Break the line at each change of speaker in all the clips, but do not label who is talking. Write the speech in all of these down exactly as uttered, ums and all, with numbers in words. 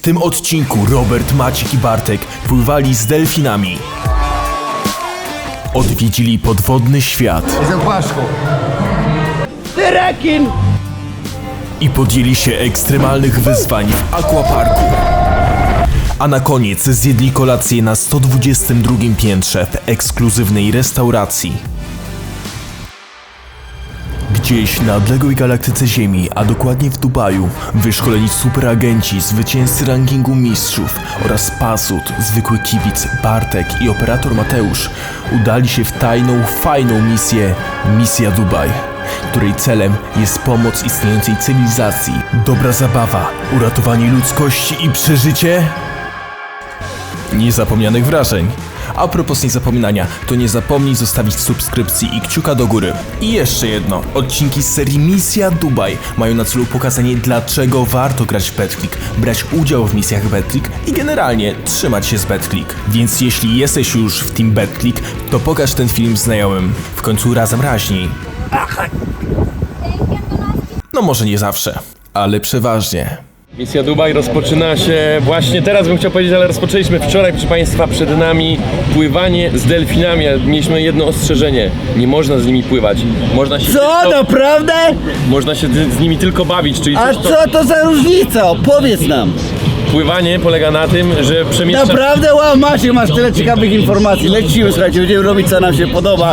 tym odcinku Robert, Maciek i Bartek pływali z delfinami. Odwiedzili podwodny świat.
Jestem płaszczką. Ty rekin!
I podjęli się ekstremalnych wyzwań w aquaparku. A na koniec zjedli kolację na sto dwudziestym drugim piętrze w ekskluzywnej restauracji. Gdzieś na odległej galaktyce Ziemi, a dokładnie w Dubaju, wyszkoleni superagenci, zwycięzcy rankingu mistrzów oraz pasut, zwykły kibic Bartek i operator Mateusz udali się w tajną, fajną misję Misja Dubaj, której celem jest pomoc istniejącej cywilizacji, dobra zabawa, uratowanie ludzkości i przeżycie niezapomnianych wrażeń. A propos niezapominania, to nie zapomnij zostawić subskrypcji i kciuka do góry. I jeszcze jedno, odcinki z serii Misja Dubaj mają na celu pokazanie, dlaczego warto grać w BetClick, brać udział w misjach BetClick i generalnie trzymać się z BetClick. Więc jeśli jesteś już w Team BetClick, to pokaż ten film znajomym. W końcu razem raźniej. No może nie zawsze, ale przeważnie.
Misja Dubaj rozpoczyna się właśnie teraz, bym chciał powiedzieć, ale rozpoczęliśmy wczoraj, proszę Państwa, przed nami pływanie z delfinami, ale mieliśmy jedno ostrzeżenie, nie można z nimi pływać. Można się
Co,
tylko,
naprawdę?
można się z, z nimi tylko bawić, czyli
A
coś, to,
co to za różnica? Opowiedz nam.
pływanie polega na tym, że przemieszczasz...
Naprawdę? Wow, Maciek, masz tyle ciekawych informacji. Lecimy, słuchajcie, będziemy robić, co nam się podoba.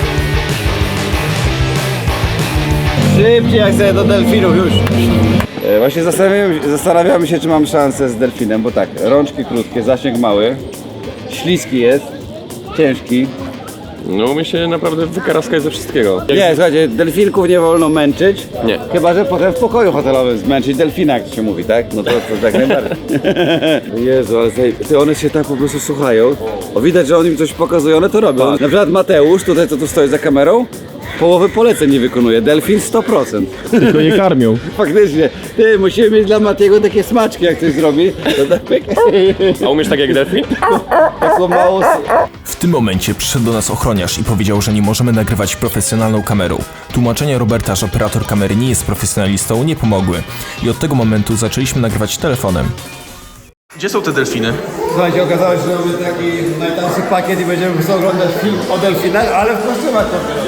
Szybciej jak sobie do delfinów już.
E, Właśnie zastanawiamy, zastanawiamy się, czy mam szansę z delfinem, bo tak, rączki krótkie, zasięg mały, śliski jest, ciężki.
No my się naprawdę wykaraskać ze wszystkiego.
Nie, słuchajcie, delfinków nie wolno męczyć,
Nie.
chyba że potem w pokoju hotelowym zmęczyć delfina, jak to się mówi, tak? No to, to tak najbardziej. Jezu, ale tutaj, ty one się tak po prostu słuchają, o widać, że oni im coś pokazują, one to robią. Na przykład Mateusz, tutaj co tu stoi za kamerą, połowy poleceń nie wykonuje, delfin sto procent.
Tylko nie karmią.
Faktycznie, ty, musimy mieć dla Matiego takie smaczki, jak coś zrobi, to tak pyk.
A umiesz tak jak delfin?
Taką mało...
W tym momencie przyszedł do nas ochroniarz i powiedział, że nie możemy nagrywać profesjonalną kamerą. Tłumaczenia Roberta, że operator kamery nie jest profesjonalistą, nie pomogły. I od tego momentu zaczęliśmy nagrywać telefonem. Gdzie są te delfiny?
Słuchajcie, okazało się, że mamy taki najtańszy pakiet i będziemy po prostu oglądać film o delfinach, ale w kostiumach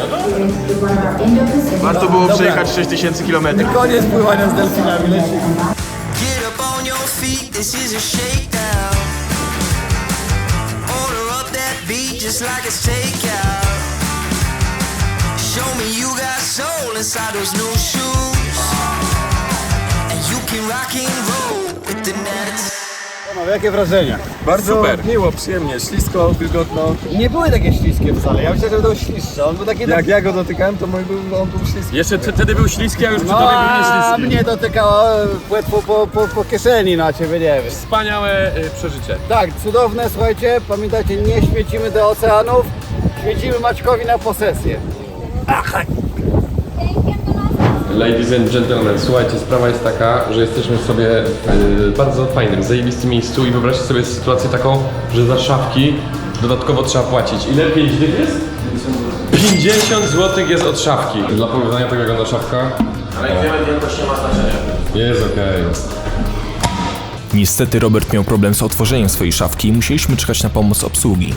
to
Warto było przejechać sześć tysięcy kilometrów.
koniec pływania z delfinami, lecimy.
Get up on your feet, this is a shakedown. Order up that beat just like it's takeout. Show me you got soul inside those new shoes. And you can rock and roll with the nets.
No, jakie wrażenia?
Bardzo super.
Miło, przyjemnie, ślisko, wilgotno. Nie były takie śliskie wcale, ja myślałem, że będą śliższe. On był taki... Jak ja go dotykałem, to mój był, on był śliski.
Jeszcze wtedy był śliski, a już przy
No,
tobie był
a
nieśliski.
mnie dotykało płetwo po, po, po kieszeni, no a ciebie nie wiem.
Wspaniałe y, przeżycie.
Tak, cudowne, słuchajcie, pamiętajcie, nie śmiecimy do oceanów, śmiecimy Maćkowi na posesję.
Ladies and gentlemen, słuchajcie, sprawa jest taka, że jesteśmy sobie w bardzo fajnym, zajebistym miejscu i wyobraźcie sobie sytuację taką, że za szafki dodatkowo trzeba płacić. Ile? pięć dych jest? pięćdziesiąt złotych jest od szafki. Dla porównania tego wygląda szafka. Ale wielkość nie ma znaczenia. Jest okej.
Niestety Robert miał problem z otworzeniem swojej szafki i musieliśmy czekać na pomoc obsługi.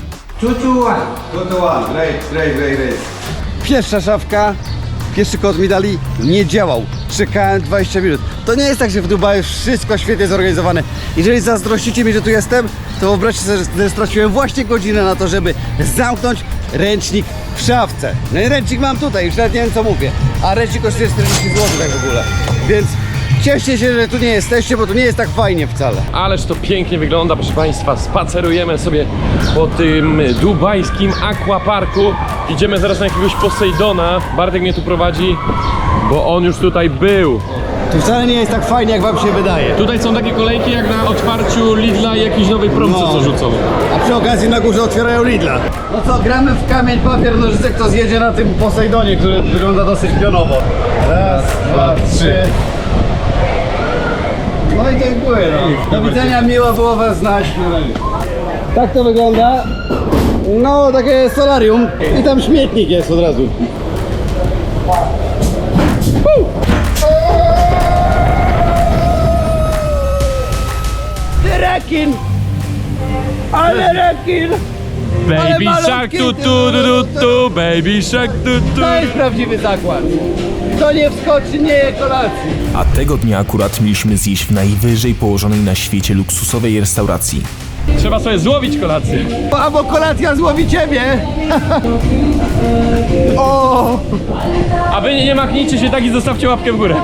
Pierwsza szafka, pierwszy kod mi dali, nie działał. Czekałem dwadzieścia minut. To nie jest tak, że w Dubaju wszystko świetnie zorganizowane. Jeżeli zazdrościcie mi, że tu jestem, to wyobraźcie sobie, że straciłem właśnie godzinę na to, żeby zamknąć ręcznik w szafce. No i ręcznik mam tutaj, już nawet nie wiem co mówię. A ręcznik kosztuje czterdzieści złotych tak w ogóle. Więc cieszcie się, że tu nie jesteście, bo tu nie jest tak fajnie wcale.
Ależ to pięknie wygląda, proszę Państwa. Spacerujemy sobie po tym dubajskim aquaparku. Idziemy zaraz na jakiegoś Posejdona. Bartek mnie tu prowadzi, bo on już tutaj był.
Tu wcale nie jest tak fajnie, jak wam się wydaje.
Tutaj są takie kolejki jak na otwarciu Lidla i jakiejś nowej promce,
No.
co rzucą.
A przy okazji na górze otwierają Lidla. No co, gramy w kamień, papier, nożyce, kto zjedzie na tym Posejdonie, który wygląda dosyć pionowo. Raz, dwa, trzy. No i tak były, no. Do widzenia, miło było was znać. Tak to wygląda. No, takie solarium. I tam śmietnik jest od razu.
rekin! Ale rekin!
Baby
malutki
shark tu
ty,
tu tu tu tu, baby shark tu tu.
To jest prawdziwy zakład. Kto nie wskoczy, nie je kolacji.
A tego dnia akurat mieliśmy zjeść w najwyżej położonej na świecie luksusowej restauracji.
Trzeba sobie złowić kolację.
Albo kolacja złowi ciebie. O!
A wy nie, nie machnijcie się tak i zostawcie łapkę w górę.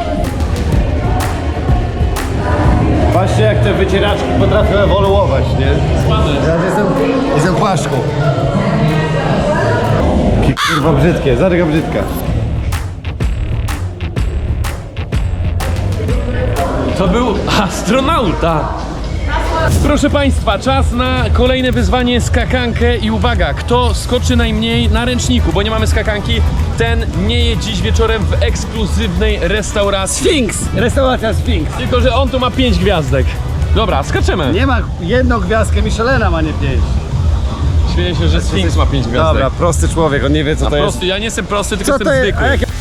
Patrzcie, jak te wycieraczki potrafią ewoluować, nie?
Spadaj.
Ja jestem, jestem płaszczką. Kurwa brzydkie, zaryga brzydka.
To był astronauta. Proszę Państwa, czas na kolejne wyzwanie, skakankę i uwaga, kto skoczy najmniej na ręczniku, bo nie mamy skakanki, ten nie je dziś wieczorem w ekskluzywnej restauracji.
Sphinx! Restauracja Sphinx.
Tylko że on tu ma pięć gwiazdek. Dobra, skaczemy.
Nie ma jedną gwiazdkę, Michelena ma nie pięć.
Śmieję się, że Sphinx ma pięć gwiazdek.
Dobra, prosty człowiek, on nie wie co
A
to jest.
prosty, ja nie jestem prosty, tylko
Co to
jestem
jest?
zwykły.
A jak...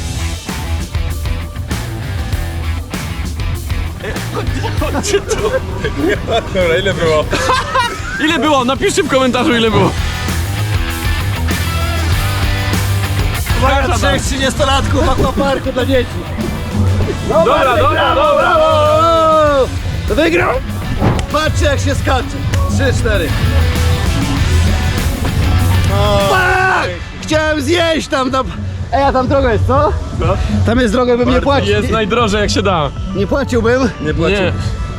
Dobra, ile było? Ile było? Napiszcie w komentarzu, ile było.
Uwaga, trzech trzydziestolatków w aquaparku dla dzieci.
Dobra, dobra, dobra.
O! Wygrał! Patrzcie jak się skacze. Trzy, cztery. Fuck! Chciałem zjeść tam, tam. Ej, a tam droga jest, co?
Co?
Tam jest droga, bym nie płacił.
Jest
Nie,
najdrożej jak się da.
nie płaciłbym.
Nie.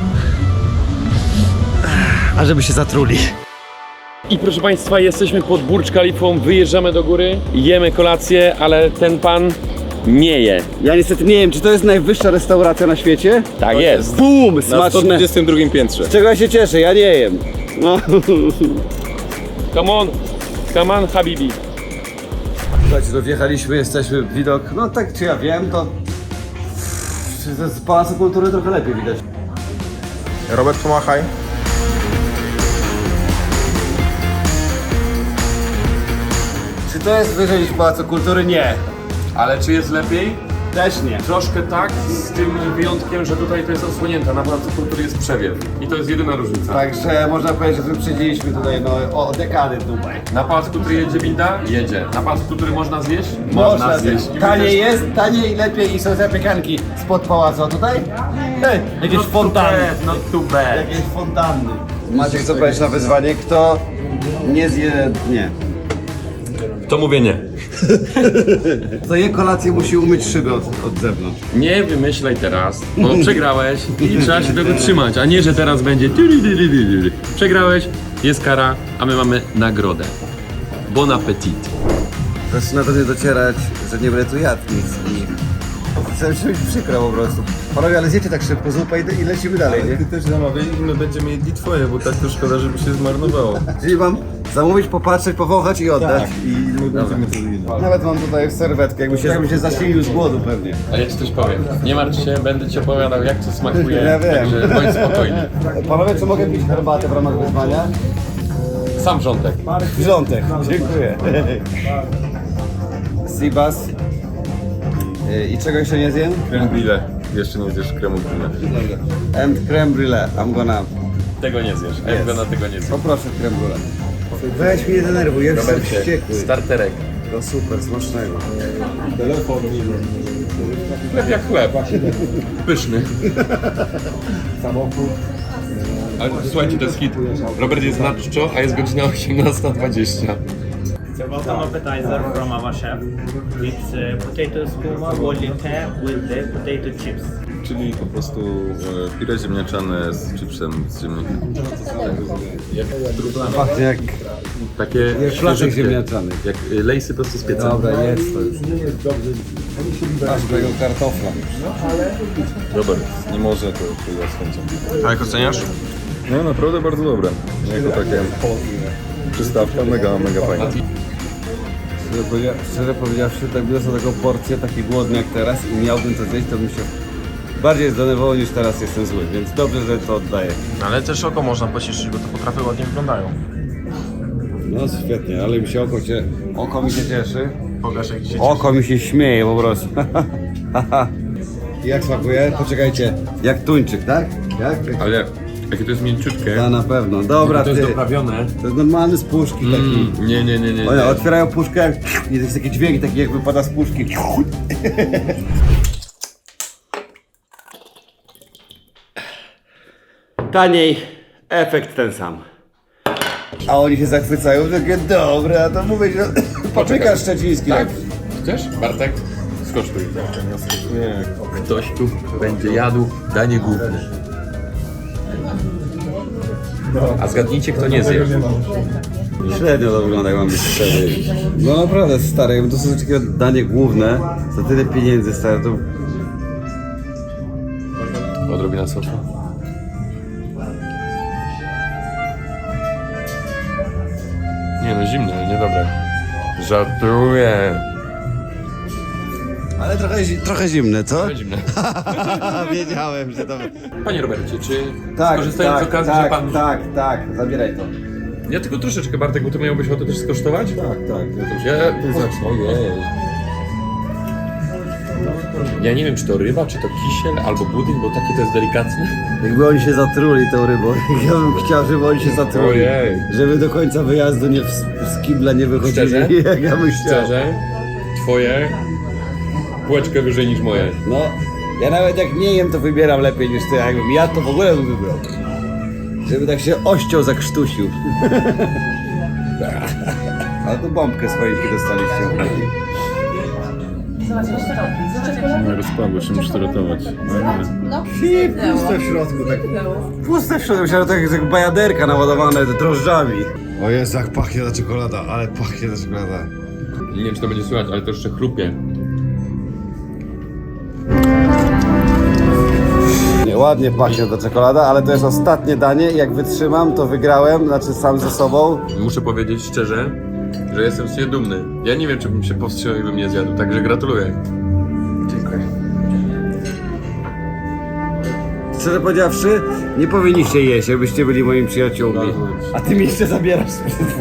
A żeby się zatruli.
I proszę Państwa, jesteśmy pod Burcz Khalifą, wyjeżdżamy do góry, jemy kolację, ale ten pan nie je.
Ja niestety nie wiem, czy to jest najwyższa restauracja na świecie?
Tak jest.
Bum!
Na
Smaczne.
sto dwudziestym drugim piętrze.
Z czego ja się cieszę, ja nie jem. No.
Come on, come on, habibi.
Słuchajcie, to wjechaliśmy, jesteśmy, widok, no tak czy ja wiem, to z Pałacu Kultury trochę lepiej widać.
Robert, pomachaj.
Czy to jest wyżej niż Pałacu Kultury? Nie.
Ale czy jest lepiej?
Też nie.
Troszkę tak, z tym wyjątkiem, że tutaj to jest osłonięte, na Pałacu Kultury jest przewiew. I to jest jedyna różnica.
Także można powiedzieć, że wyprzedziliśmy tutaj no, o dekady Dubaj.
Na Pałacu Kultury jedzie winda? Jedzie. Na Pałacu Kultury można zjeść?
zjeść.
I my
Taniej
też-
jest, taniej i lepiej i są zapiekanki spod pałacu, a tutaj? Hej, jakieś fontanny.
Not too bad.
Jakieś fontanny. Maciek, co powiesz na wyzwanie? Kto nie zje... nie.
To mówię nie.
Kto je kolację musi umyć szyby od, od zewnątrz.
Nie wymyślaj teraz, bo przegrałeś i trzeba się tego trzymać, a nie, że teraz będzie przegrałeś, jest kara, a my mamy nagrodę. Bon appetit.
Zaczyna do mnie docierać, że nie będę tu jadł nic i zaczyna się być przykro po prostu. Panowie, ale zjecie tak szybko zupę i, i lecimy dalej, nie?
Ty też zamawiaj i my będziemy jedli twoje, bo tak to szkoda, żeby się zmarnowało.
Czyli mam zamówić, popatrzeć, powąchać i oddać.
I my będziemy to jedli.
Nawet mam tutaj serwetkę, jakby się, jakby się zasilił z głodu pewnie.
A ja ci coś powiem, nie martw się, będę ci opowiadał jak to smakuje,
Ja wiem.
także bądź spokojny.
Panowie, czy mogę pić herbatę w ramach wyzwania?
Sam wrzątek.
Wrzątek, dziękuję. Seabass. Y, I czego jeszcze nie zjem?
Creme brulee. Jeszcze nie zjesz kremu brulee.
And creme brulee. I'm gonna...
Tego nie zjesz, a ja
Jest.
na tego nie zjesz.
Poproszę creme brulee. Weź mnie nie denerwuj, ja jestem wściekły.
Starterek.
To super, smacznego.
Chleb jak chleb. Pyszny. Ale słuchajcie, to jest hit. Robert jest na czczo, a jest godzina osiemnasta dwadzieścia.
Welcome appetizer from our chef. It's uh, potato skooma volite with the potato chips.
Czyli po prostu e, pire ziemniaczane z chipsem z ziemniaków.
Pachnie jak...
Takie
Jak flaszek
świeżutkie.
ziemniaczany.
Jak y, lejsy prosto z pieca.
Dobra, jest to już. Masz tego kartofla.
Robert, nie może to przyjść z chęcią.
A jak oceniasz?
No naprawdę bardzo dobre. Jako takie przystawka, mega, mega fajna.
Szczerze, powiedzia- szczerze powiedziawszy, tak biorąc na taką porcję, taki głodny jak teraz i miałbym to zjeść, to bym się bardziej zdenerwował niż teraz jestem zły, więc dobrze, że to oddaję.
Ale też oko można pocieszyć, bo te potrawy ładnie wyglądają.
No świetnie, ale mi się oko, cie... oko mi się cieszy.
Pokaż jak się
Oko mi się śmieje po prostu. Jak smakuje? Poczekajcie. Jak tuńczyk, tak? Jak?
Ale
Jakie to jest mięciutkie.
Ja na pewno. Dobra,
To jest
ty.
doprawione.
To jest normalny z puszki taki.
Mm, nie, nie, nie, nie.
One
nie.
otwierają puszkę i to jest taki dźwięk, taki jak wypada z puszki. Taniej, efekt ten sam. A oni się zachwycają, takie dobre, a to mówię, że papryka szczeciński.
Tak? Chcesz? Bartek? Skosztuj.
Nie,
Ktoś tu będzie jadł danie główne. A zgadnijcie, kto nie zje.
Średnio to wygląda, jak mam być szczery. No naprawdę stary, jakby to są takie danie główne, za tyle pieniędzy stary, to...
Odrobina sosu. Nie no, zimne, niedobre. Żartuję.
Ale trochę, zi- trochę zimne, co?
Zimne.
Wiedziałem, że to...
Panie Robercie, czy
Tak,
skorzystając
tak,
z okazji,
tak,
że pan...
tak, tak, zabieraj to.
Ja tylko troszeczkę, Bartek, bo ty miałbyś ochotę też skosztować?
tak, tak. Ja też.
Ja...
Ty zacznij.
Ojej. Ja nie wiem, czy to ryba, czy to kisiel, albo budyń, bo takie to jest delikatne.
Jakby oni się zatruli tą rybą, ja bym chciał, żeby oni się zatruli.
Ojej.
Żeby do końca wyjazdu nie w, z kibla nie wychodzili,
Szczerze?
jak ja bym chciał.
Szczerze, twoje półeczkę wyżej niż moje.
No, ja nawet jak nie jem, to wybieram lepiej niż ty, a jakbym ja to w ogóle bym wybrał. Żeby tak się ością zakrztusił. Ale tu bombkę z choinki dostaliście.
No, rozpadło się, muszę to ratować. No, nie.
I puste w środku, tak. Puste w środku, myślałem, że to jak, jak bajaderka naładowane drożdżami. O Jezu, jak pachnie ta czekolada, ale pachnie ta czekolada.
Nie wiem, czy to będzie słychać, ale to jeszcze chrupie.
Nie, ładnie pachnie ta czekolada, ale to jest ostatnie danie i jak wytrzymam, to wygrałem, znaczy sam ze sobą.
Muszę powiedzieć szczerze, że jestem z siebie dumny. Ja nie wiem, czy bym się powstrzymał i bym nie zjadł, także gratuluję.
Dziękuję. Szczerze powiedziawszy, nie powinniście jeść, jakbyście byli moimi przyjaciółmi. A ty mi jeszcze zabierasz.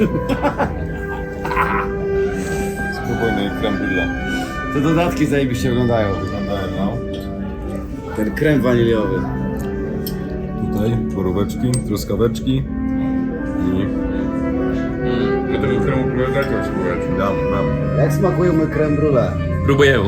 Spokojny creme brulee.
Te dodatki zajebiście wyglądają.
Wyglądają, no.
Ten krem waniliowy.
Tutaj poróweczki, truskaweczki i...
No tego kremu próbowałem spróbować.
Dam, dam.
Jak smakuje mój krem brulee?
Próbuję.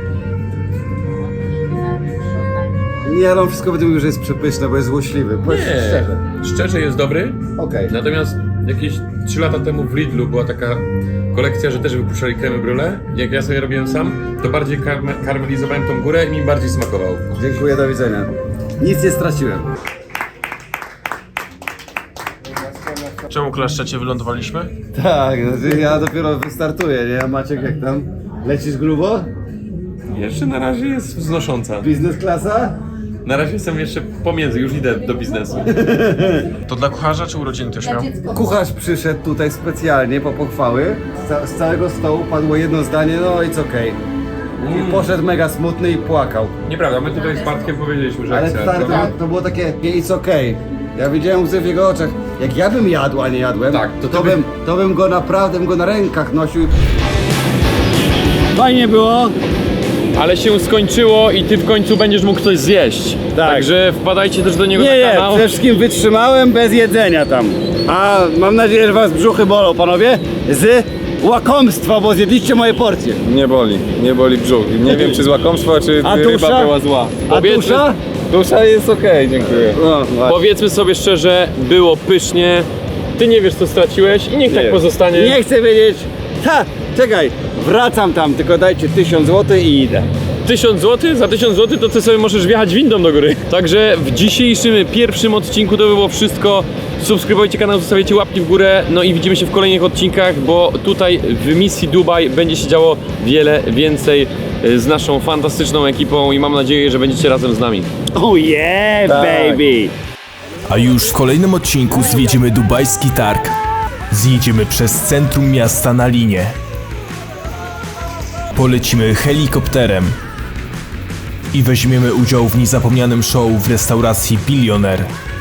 Nie, no wszystko będę mówił, że jest przepyszne, bo jest złośliwy. Powiedz
Nie,
szczerze.
szczerze jest dobry,
Okej.
natomiast jakieś trzy lata temu w Lidlu była taka kolekcja, że też wypuszczali kremy brulee. Jak ja sobie robiłem sam, to bardziej karme- karmelizowałem tą górę i mi bardziej smakował.
Dziękuję, do widzenia. Nic nie straciłem.
Czemu klaszczecie, wylądowaliśmy?
Tak, znaczy ja dopiero wystartuję, nie? A Maciek, jak tam? Lecisz grubo?
Jeszcze na razie jest wznosząca.
Biznes klasa?
Na razie jestem jeszcze pomiędzy, już idę do biznesu.
To dla kucharza czy urodziny ktoś miał?
Kucharz przyszedł tutaj specjalnie po pochwały. Z, ca- z całego stołu padło jedno zdanie, no it's okej. I poszedł mega smutny i płakał.
Nieprawda, my tutaj z Bartkiem powiedzieliśmy, że
Ale
chcemy,
stary, to,
prawda?
to było takie it's okej. Ja widziałem łzy w jego oczach. Jak ja bym jadł, a nie jadłem,
Tak, to
to,
ty by-
bym, to bym go naprawdę bym go na rękach nosił. Fajnie było.
Ale się skończyło i ty w końcu będziesz mógł coś zjeść.
Tak.
Także wpadajcie też do niego
Nie,
na
nie,
kanał.
przede wszystkim wytrzymałem bez jedzenia tam. A mam nadzieję, że was brzuchy bolą, panowie, z łakomstwa, bo zjedliście moje porcje.
Nie boli, nie boli brzuch. Nie wiem, czy z łakomstwa, czy
A
ryba
dusza?
była zła.
A
Powiedzmy-
dusza?
Dusza jest okej, dziękuję.
No, właśnie.
Powiedzmy sobie szczerze, było pysznie. Ty nie wiesz co straciłeś i niech tak
Nie.
pozostanie.
Nie chcę wiedzieć. Ha, czekaj, wracam tam, tylko dajcie tysiąc złotych i idę.
tysiąc złotych? Za tysiąc złotych to ty sobie możesz wjechać windą do góry. Także w dzisiejszym pierwszym odcinku to było wszystko. Subskrybujcie kanał, zostawiajcie łapki w górę. No i widzimy się w kolejnych odcinkach, bo tutaj w misji Dubaj będzie się działo wiele więcej y, z naszą fantastyczną ekipą i mam nadzieję, że będziecie razem z nami.
Oh yeah, baby!
A już w kolejnym odcinku zwiedzimy dubajski targ. Zjedziemy przez centrum miasta na linie. Polecimy helikopterem. I weźmiemy udział w niezapomnianym show w restauracji Billionaire.